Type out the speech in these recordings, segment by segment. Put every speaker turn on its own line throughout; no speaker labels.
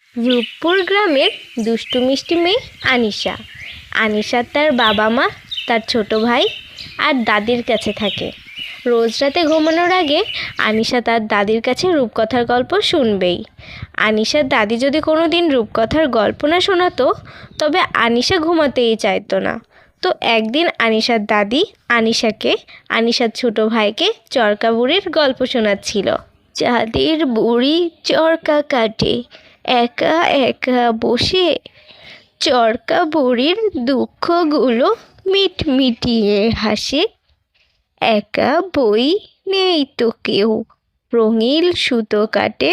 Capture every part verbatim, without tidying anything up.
রূপপুর গ্রামের দুষ্টু মিষ্টি মেয়ে আনিশা। আনিশা তার বাবা মা, তার ছোট ভাই আর দাদির কাছে থাকে। রোজ রাতে ঘুমানোর আগে আনিশা তার দাদির কাছে রূপকথার গল্প শুনবেই। আনিশার দাদি যদি কোনো দিন রূপকথার গল্প না শোনাতো, তবে আনিশা ঘুমাতেই চাইতো না। তো একদিন আনিশার দাদি আনিশাকে আনিশার ছোট ভাইকে চরকা বুড়ির গল্প শোনাচ্ছিল। চাঁদের বুড়ি চরকা কাটে একা একা বসে, চরকা বুড়ির দুঃখগুলো মিটমিটিয়ে হাসে। একা বই নেই তো কেউ, রঙিন সুতো কাটে,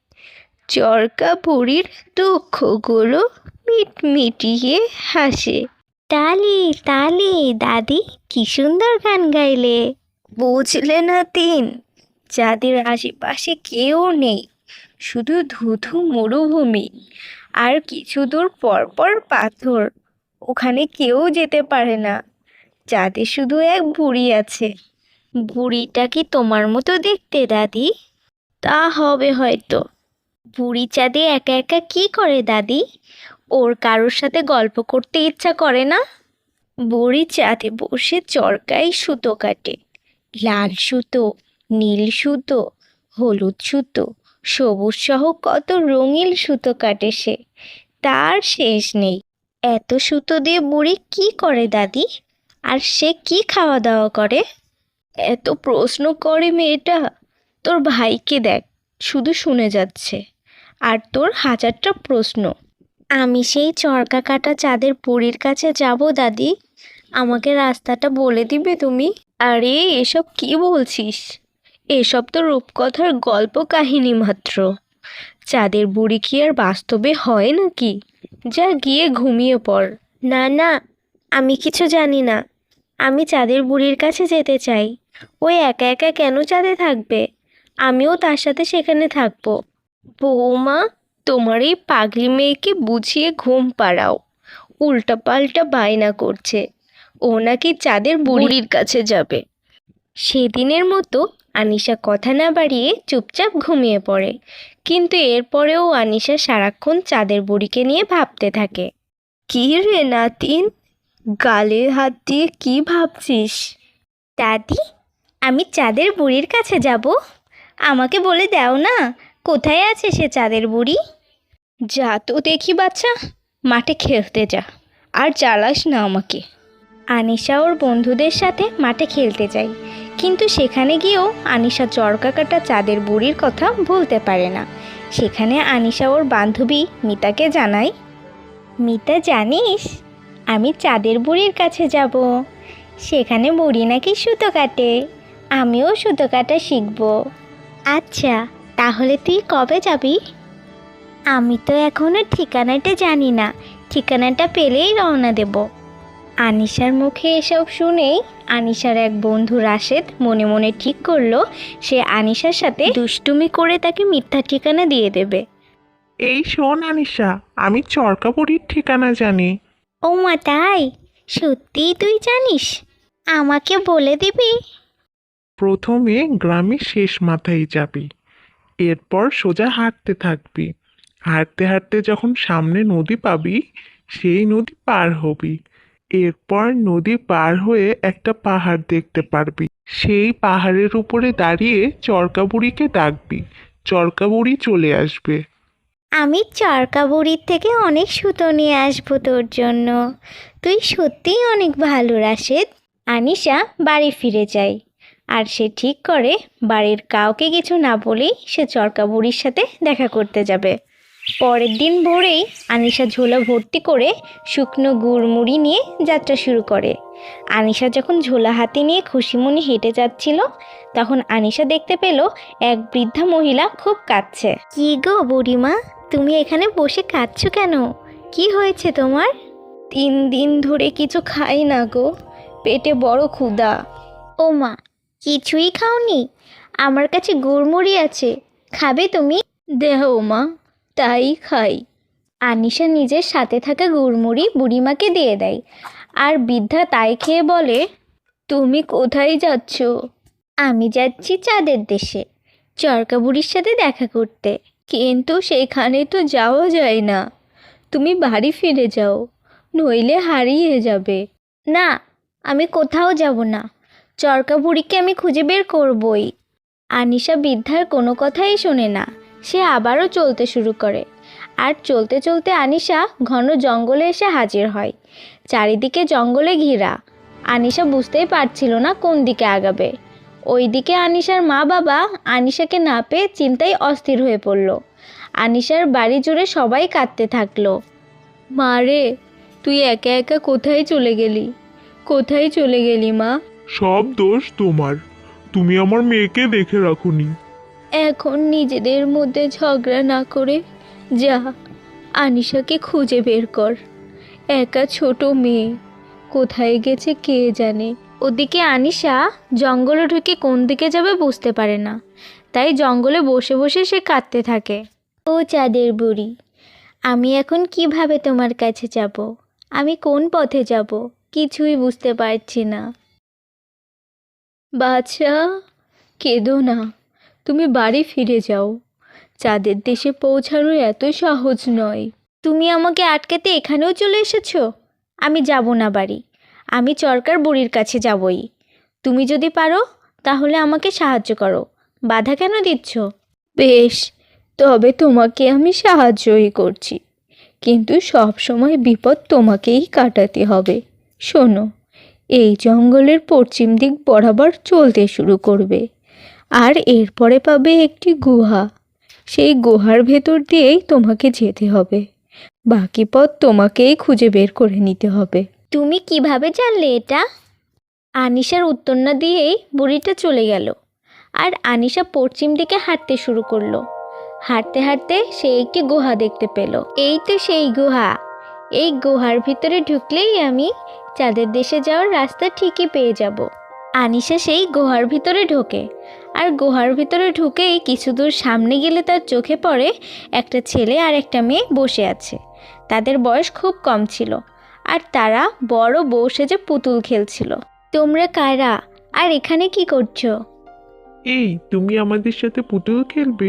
চরকা বুড়ির দুঃখগুলো মিটমিটিয়ে হাসে। তালি তালি দাদি, কি সুন্দর গান গাইলে। বুঝলে না তিন, যাদের আশেপাশে কেউ নেই, শুধু ধুধু মরুভূমি আর কিছু দূর পর পর পাথর, ওখানে কেউ যেতে পারে না। চাঁদে শুধু এক বুড়ি আছে। বুড়িটা কি তোমার মতো দেখতে দাদি? তা হবে হয়তো। বুড়ি চাঁদে একা একা কি করে দাদি? ওর কারোর সাথে গল্প করতে ইচ্ছা করে না? বুড়ি চাঁদে বসে চরকায় সুতো কাটে। লাল সুতো, নীল সুতো, হলুদ সুতো, সবুজ সহ কত রঙিন সুতো কাটে সে, তার শেষ নেই। এত সুতো দিয়ে বুড়ি কি করে দাদি? আর সে কি খাওয়া দাওয়া করে? এত প্রশ্ন করে মেয়েটা। তোর ভাইকে দেখ, শুধু শুনে যাচ্ছে, আর তোর হাজারটা প্রশ্ন। আমি সেই চরকা কাটা চাঁদের বুড়ির কাছে যাব দাদি, আমাকে রাস্তাটা বলে দিবে তুমি? আরে এসব কি বলছিস? এসব তো রূপকথার গল্প কাহিনী মাত্র। চাঁদের বুড়ি কি আর বাস্তবে হয় নাকি? যা গিয়ে ঘুমিয়ে পড়। না না, আমি কিছু জানি না। আমি চাঁদের বুড়ির কাছে যেতে চাই। ওই একা একা কেন চাঁদে থাকবে? আমিও তার সাথে সেখানে থাকবো। বৌমা, তোমার এই পাগলি মেয়েকে বুঝিয়ে ঘুম পাড়াও। উল্টাপাল্টা বায়না করছে, ও নাকি চাঁদের বুড়ির কাছে যাবে। সেদিনের মতো আনিশা কথা না বাড়িয়ে চুপচাপ ঘুমিয়ে পড়ে। কিন্তু এরপরেও আনিশা সারাক্ষণ চাঁদের বুড়িকে নিয়ে ভাবতে থাকে। কি রে নাতিন, গালে হাত দিয়ে কি ভাবছিস? দাদি, আমি চাঁদের বুড়ির কাছে যাব। আমাকে বলে দাও না, কোথায় আছে সে চাঁদের বুড়ি? যা তো দেখি বাচ্চা, মাঠে খেলতে যা, আর জ্বালাস না আমাকে। আনিশা ওর বন্ধুদের সাথে মাঠে খেলতে যায়, কিন্তু সেখানে গিয়েও আনিশা চরকা কাটা চাঁদের বুড়ির কথা ভুলতে পারে না। সেখানে আনিশা ওর বান্ধবী মিতাকে জানায়, মিতা জানিস, আমি চাঁদের বুড়ির কাছে যাব। সেখানে বুড়ি নাকি সুতো কাটে, আমিও সুতো কাটা শিখব। আচ্ছা, তাহলে তুই কবে যাবি? আমি তো এখনো ঠিকানাটা জানি না, ঠিকানাটা পেলেই রওনা দেব। আনিশার মুখে এসব শুনেই আনিশার এক বন্ধু রাশেদ মনে মনে ঠিক করলো সে আনিশার সাথে দুষ্টুমি করে তাকে মিথ্যা ঠিকানা দিয়ে দেবে।
এই শোন আনিশা, আমি চরকাপুরীর ঠিকানা জানি।
ও মা, তাই? সত্যিই তুই জানিস? আমাকে বলে দিবি?
প্রথমে গ্রামের শেষ মাথায় যাবি, এরপর সোজা হাঁটতে থাকবি। হাঁটতে হাঁটতে যখন সামনে নদী পাবি, সেই নদী পার হবি। এরপর নদী পার হয়ে একটা পাহাড় দেখতে পারবি। সেই পাহাড়ের উপরে দাঁড়িয়ে চরকাবুড়িকে ডাকবি, চরকাবুড়ি চলে আসবে।
আমি চরকা বুড়ির থেকে অনেক সুতো নিয়ে আসবো তোর জন্য। তুই সত্যিই অনেক ভালো রাশেদ। আনিশা বাড়ি ফিরে যায়, আর সে ঠিক করে বাড়ির কাউকে কিছু না বলেই সে চরকা বুড়ির সাথে দেখা করতে যাবে। পরের দিন ভোরেই আনিশা ঝোলা ভর্তি করে শুকনো গুড়মুড়ি নিয়ে যাত্রা শুরু করে। আনিশা যখন ঝোলা হাতে নিয়ে খুশিমনি হেঁটে যাচ্ছিল, তখন আনিশা দেখতে পেল এক বৃদ্ধা মহিলা খুব কাঁদছে। কি গো বুড়িমা, তুমি এখানে বসে কাঁদছো কেন? কি হয়েছে তোমার? তিন দিন ধরে কিছু খাই না গো, পেটে বড় ক্ষুধা। ও মা, কিছুই খাওনি? আমার কাছে গুড়মুড়ি আছে, খাবে তুমি? দেহ মা, তাই খাই। আনিশা নিজের সাথে থাকা গুড়মুড়ি বুড়িমাকে দিয়ে দেয়, আর বৃদ্ধা তাই খেয়ে বলে, তুমি কোথায় যাচ্ছ? আমি যাচ্ছি চাঁদের দেশে, চরকা বুড়ির সাথে দেখা করতে। কিন্তু সেখানে তো যাওয়া যায় না। তুমি বাড়ি ফিরে যাও, নইলে হারিয়ে যাবে। না, আমি কোথাও যাব না। চরকা বুড়িকে আমি খুঁজে বের করবই। আনিশা বৃদ্ধার কোনো কথাই শোনে না। সে আবারও চলতে শুরু করে। আর চলতে চলতে আনিশা ঘন জঙ্গলে এসে হাজির হয়। চারিদিকে জঙ্গলে ঘেরা। আনিশা বুঝতেই পারছিল না কোন দিকে আগাবে। ওইদিকে আনিশার মা বাবা আনিশাকে না পেয়ে চিন্তায় অস্থির হয়ে পড়ল। আনিশার বাড়ি জুড়ে সবাই কাঁদতে থাকলো। মা রে, তুই একা একা কোথায় চলে গেলি? কোথায় চলে গেলি মা?
সব দোষ তোমার, তুমি আমার মেয়েকে দেখে রাখোনি।
এখন নিজেদের মধ্যে ঝগড়া না করে যা, আনিশাকে খুঁজে বের কর। একা ছোট মেয়ে, কোথায় গেছে কে জানে। ওদিকে আনিশা জঙ্গলে ঢুকে কোন দিকে যাবে বুঝতে পারে না। তাই জঙ্গলে বসে বসে সে কাঁদতে থাকে। ও চাঁদের বুড়ি, আমি এখন কিভাবে তোমার কাছে যাব? আমি কোন পথে যাব কিছুই বুঝতে পারছি না। বাছা, কেঁদো না, তুমি বাড়ি ফিরে যাও। চাঁদের দেশে পৌঁছানো এত সহজ নয়। তুমি আমাকে আটকাতে এখানেও চলে এসেছো? আমি যাব না বাড়ি, আমি চরকার বুড়ির কাছে যাবই। তুমি যদি পারো তাহলে আমাকে সাহায্য করো, বাধা কেন দিচ্ছ? বেশ, তবে তোমাকে আমি সাহায্যই করছি, কিন্তু সব সময় বিপদ তোমাকেই কাটাতে হবে। শোনো, এই জঙ্গলের পশ্চিম দিক বরাবর চলতে শুরু করবে, আর এরপরে পাবে একটি গুহা। সেই গুহার ভেতর দিয়েই তোমাকে যেতে হবে। বাকি পথ তোমাকেই খুঁজে বের করে নিতে হবে। তুমি কিভাবে জানলে এটা? আনিশার উত্তর না দিয়েই বুড়িটা চলে গেল। আর আনিশা পশ্চিম দিকে হাঁটতে শুরু করলো। হাঁটতে হাঁটতে সে একটি গুহা দেখতে পেল। এই তো সেই গুহা। এই গুহার ভিতরে ঢুকলেই আমি চাঁদের দেশে যাওয়ার রাস্তা ঠিকই পেয়ে যাব। আনিশা সেই গুহার ভিতরে ঢোকে। আর গুহার ভিতরে ঢুকেই কিছু দূর সামনে গেলে তার চোখে পড়ে একটা ছেলে আর একটা মেয়ে বসে আছে। তাদের বয়স খুব কম ছিল, আর তারা বড় বউ সেজে পুতুল খেলছিল। তোমরা কারা, আর এখানে কি করছো?
এই, তুমি আমাদের সাথে পুতুল খেলবে?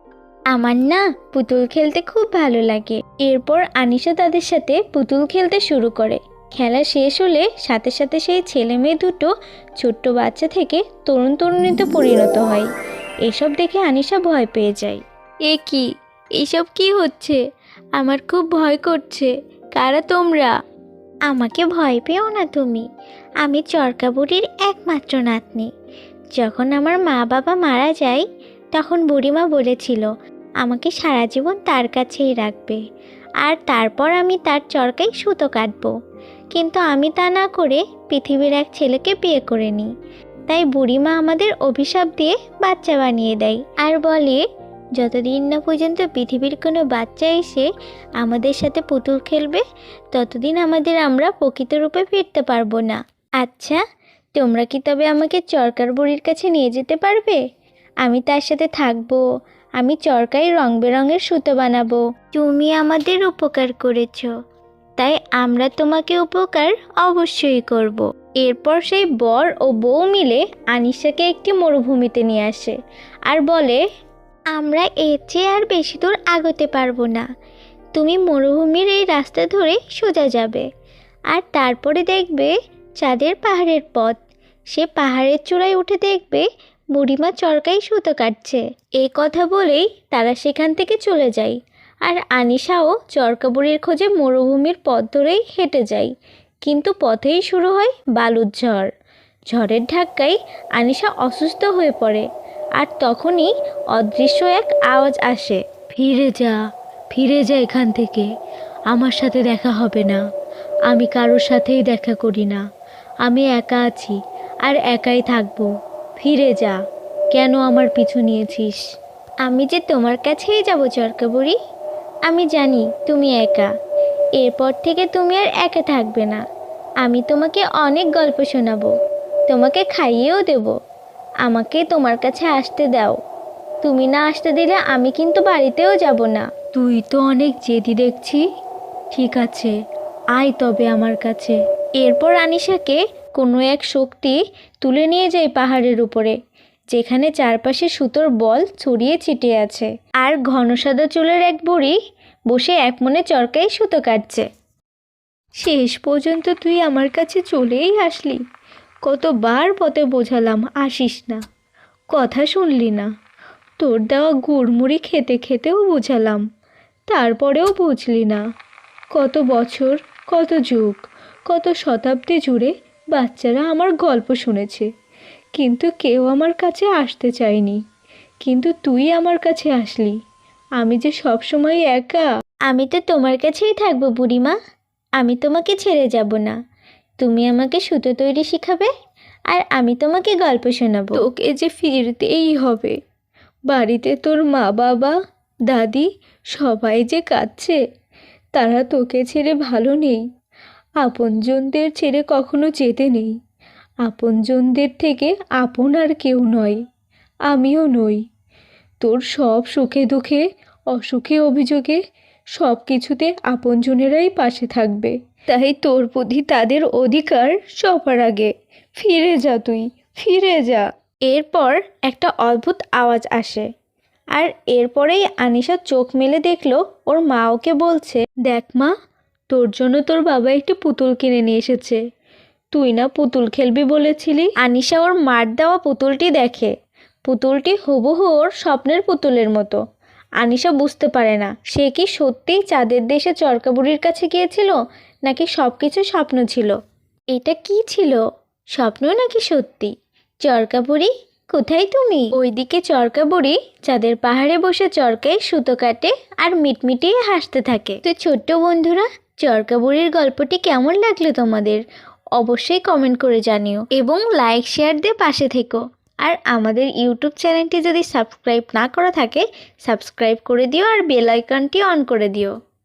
আমার না পুতুল খেলতে খুব ভালো লাগে। এরপর আনিশা তাদের সাথে পুতুল খেলতে শুরু করে। খেলা শেষ হলে সাথে সাথে সেই ছেলে মেয়ে দুটো ছোট্ট বাচ্চা থেকে তরুণ তরুণীতে পরিণত হয়। এসব দেখে আনিশা ভয় পেয়ে যায়। এ কি, এইসব কি হচ্ছে? আমার খুব ভয় করছে। কারা তোমরা? আমাকে ভয় পেও না তুমি, আমি চরকা বুড়ির একমাত্র নাতনি। যখন আমার মা বাবা মারা যায় তখন বুড়িমা বলেছিল আমাকে সারা জীবন তার কাছেই রাখবে, আর তারপর আমি তার চরকায় সুতো কাটবো। কিন্তু আমি তা না করে পৃথিবীর এক ছেলেকে বিয়ে করে নিই। তাই বুড়িমা আমাদের অভিশাপ দিয়ে বাচ্চা বানিয়ে দেয়, আর বলে যতদিন না পর্যন্ত পৃথিবীর কোনো বাচ্চা এসে আমাদের সাথে পুতুল খেলবে ততদিন আমাদের আমরা প্রকৃত রূপে ফিরতে পারবো না। আচ্ছা, তোমরা কি তবে আমাকে চরকার বুড়ির কাছে নিয়ে যেতে পারবে? আমি তার সাথে থাকবো, আমি চরকায় রং বেরঙের সুতো বানাবো। তুমি আমাদের উপকার করেছো, তাই আমরা তোমাকে উপকার অবশ্যই করব। এরপর সেই বর ও বউ মিলে আনিশাকে একটি মরুভূমিতে নিয়ে আসে আর বলে, আমরা এর চেয়ে আর বেশি দূর আগাতে পারবো না। তুমি মরুভূমির এই রাস্তা ধরে সোজা যাবে, আর তারপরে দেখবে চাঁদের পাহাড়ের পথ। সে পাহাড়ের চূড়ায় উঠে দেখবে বুড়িমা চরকায় সুতো কাটছে। এই কথা বলেই তারা সেখান থেকে চলে যায়। আর আনিশাও চরকা বুড়ির খোঁজে মরুভূমির পথ ধরেই হেঁটে যায়। কিন্তু পথেই শুরু হয় বালুর ঝড়। ঝড়ের ধাক্কায় আনিশা অসুস্থ হয়ে পড়ে। আর তখনই অদৃশ্য এক আওয়াজ আসে, ফিরে যা, ফিরে যা এখান থেকে। আমার সাথে দেখা হবে না, আমি কারোর সাথেই দেখা করি না। আমি একা আছি আর একাই থাকবো। ফিরে যা, কেন আমার পিছু নিয়েছিস? আমি যে তোমার কাছেই যাব চরকা বুড়ি। আমি জানি তুমি একা, এরপর থেকে তুমি আর একা থাকবে না। আমি তোমাকে অনেক গল্প শোনাবো, তোমাকে খাইয়েও দেব। আমাকে তোমার কাছে আসতে দাও। তুমি না আসতে দিলে আমি কিন্তু বাড়িতেও যাব না। তুই তো অনেক জেদি দেখছি। ঠিক আছে, আয় তবে আমার কাছে। এরপর আনিশাকে কোনো এক শক্তি তুলে নিয়ে যায় পাহাড়ের উপরে যেখানে চারপাশে সুতোর বল ছড়িয়ে ছিটিয়ে আছে, আর ঘন সাদা চুলের এক বুড়ি বসে এক মনে চরকায় সুতো কাটছে। শেষ পর্যন্ত তুই আমার কাছে চলেই আসলি। কতবার পথে বোঝালাম আসিস না, কথা শুনলি না। তোর দেওয়া গুড়মুড়ি খেতে খেতেও বোঝালাম, তারপরেও বুঝলি না। কত বছর, কত যুগ, কত শতাব্দী জুড়ে বাচ্চারা আমার গল্প শুনেছে, কিন্তু কেউ আমার কাছে আসতে চায়নি। কিন্তু তুই আমার কাছে আসলি। আমি যে সবসময় একা। আমি তো তোমার কাছেই থাকবো বুড়িমা, আমি তোমাকে ছেড়ে যাব না। তুমি আমাকে সুতো তৈরি শেখাবে, আর আমি তোমাকে গল্প শোনাবো। তোকে যে ফিরতেই হবে। বাড়িতে তোর মা বাবা দাদি সবাই যে কাঁদছে, তারা তোকে ছেড়ে ভালো নেই। আপনজনদের ছেড়ে কখনো যেতে নেই। আপনজনদের থেকে আপন আর কেউ নয়, আমিও নই। তোর সব সুখে দুঃখে, অসুখে অভিযোগে সব কিছুতে আপনজনেরাই পাশে থাকবে। তাই তোর প্রতি তাদের অধিকার সবার আগে। ফিরে যা, তুই ফিরে যা। এরপর একটা অদ্ভুত আওয়াজ আসে, আর এরপরেই আনিশা চোখ মেলে দেখলো ওর মা ওকে বলছে, দেখ মা, তোর জন্য তোর বাবা একটি পুতুল কিনে নিয়ে এসেছে। তুই না পুতুল খেলবি বলেছিলি। আনিশা ওর মার দেওয়া পুতুলটি দেখে। পুতুলটি হুবহু ওর স্বপ্নের পুতুলের মতো। আনিশা বুঝতে পারে না সে কি সত্যিই চাঁদের দেশে চরকা বুড়ির কাছে গিয়েছিল, নাকি সব কিছু স্বপ্ন ছিল। এটা কি ছিল, স্বপ্ন নাকি সত্যি? চরকা বুড়ি কোথায় তুমি? ওইদিকে চরকা বুড়ি চাঁদের পাহাড়ে বসে চরকায় সুতো কাটে আর মিটমিটিয়ে হাসতে থাকে। তো ছোট্ট বন্ধুরা, চরকা বুড়ির গল্পটি কেমন লাগলো তোমাদের? অবশ্যই কমেন্ট করে জানিও এবং লাইক শেয়ার দিয়ে পাশে থেকো। আর আমাদের ইউটিউব চ্যানেলটি যদি সাবস্ক্রাইব না করা থাকে, সাবস্ক্রাইব করে দিও আর বেল আইকনটি অন করে দিও।